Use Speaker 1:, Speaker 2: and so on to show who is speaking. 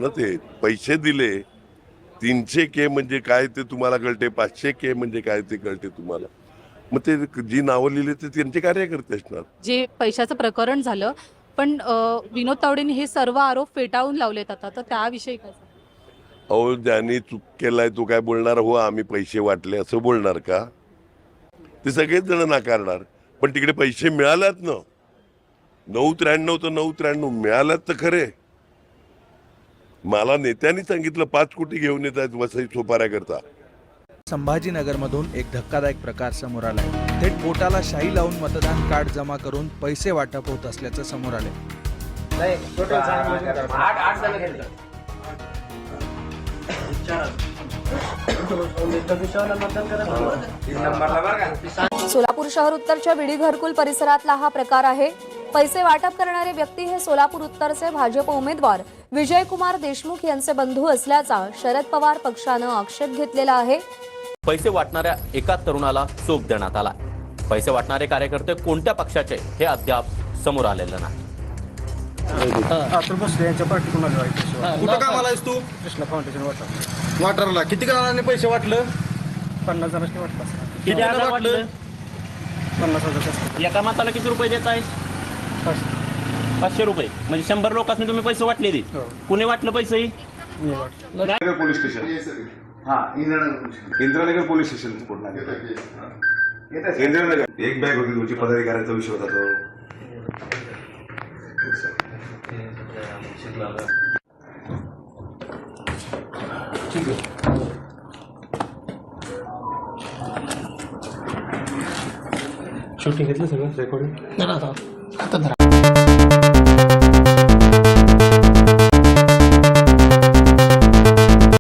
Speaker 1: ना ते पैसे दिले 300K म्हणजे काय ते तुम्हाला कळते, 500K म्हणजे काय ते कळते तुम्हाला. मग ते जी नावं लिहिली ते त्यांचे कार्यकर्ते असणार.
Speaker 2: जे पैशाचं प्रकरण झालं, पण विनोद तावडेंनी हे सर्व आरोप फेटाळून लावलेत आता, तर त्याविषयी काय सांगाल?
Speaker 1: अहो ज्यांनी चूक केलाय तो काय बोलणार हो आम्ही पैसे वाटले असं बोलणार का? ते सगळेच जण नाकारणार. पण तिकडे पैसे मिळाल्यात ना, 993 तर 993 मिळाल्यात तर खरे. मला नेत्यांनी सांगितलं 5 कोटी घेऊन येत आहेत वसई सोपाऱ्याकरता.
Speaker 3: संभाजीनगरमधून एक धक्कादायक प्रकार समोर आलाय. थेट बोटाला शाई लावून मतदान कार्ड जमा करून पैसे वाटप होत असल्याचं समोर आले.
Speaker 4: सोलापूर शहर उत्तरच्या विडी घरकुल परिसरातला हा प्रकार आहे. पैसे वाटप करणारे व्यक्ती हे सोलापूर उत्तरचे भाजप उमेदवार विजयकुमार देशमुख यांचे बंधू असल्याचा शरद पवार पक्षानं आक्षेप घेतलेला आहे.
Speaker 5: पैसे वाटणाऱ्या एका तरुणाला चोप देण्यात आला. पैसे वाटणारे कार्यकर्ते कोणत्या पक्षाचे हे अद्याप समोर आलेलं नाही.
Speaker 6: कुठं कामाला आहेस तू?
Speaker 7: कृष्णा फाउंडेशन
Speaker 6: वाटरला किती जणांनी पैसे वाटलं?
Speaker 7: 50 जणांनी वाटलं असतं.
Speaker 5: किती हजार वाटलं?
Speaker 7: 50,000.
Speaker 5: एका माताला किती रुपये देत आहे? 500 रुपये. म्हणजे 100 लोकांनी तुम्ही पैसे वाटले. कुणी वाटलं पैसे?
Speaker 6: Nagar police station. Indiranagar police station. Indiranagar एक बॅग होती तुमची पदाधिकाऱ्याचा विषय होता तो.
Speaker 7: शूटिंग घेतलं सगळं रेकॉर्डिंग.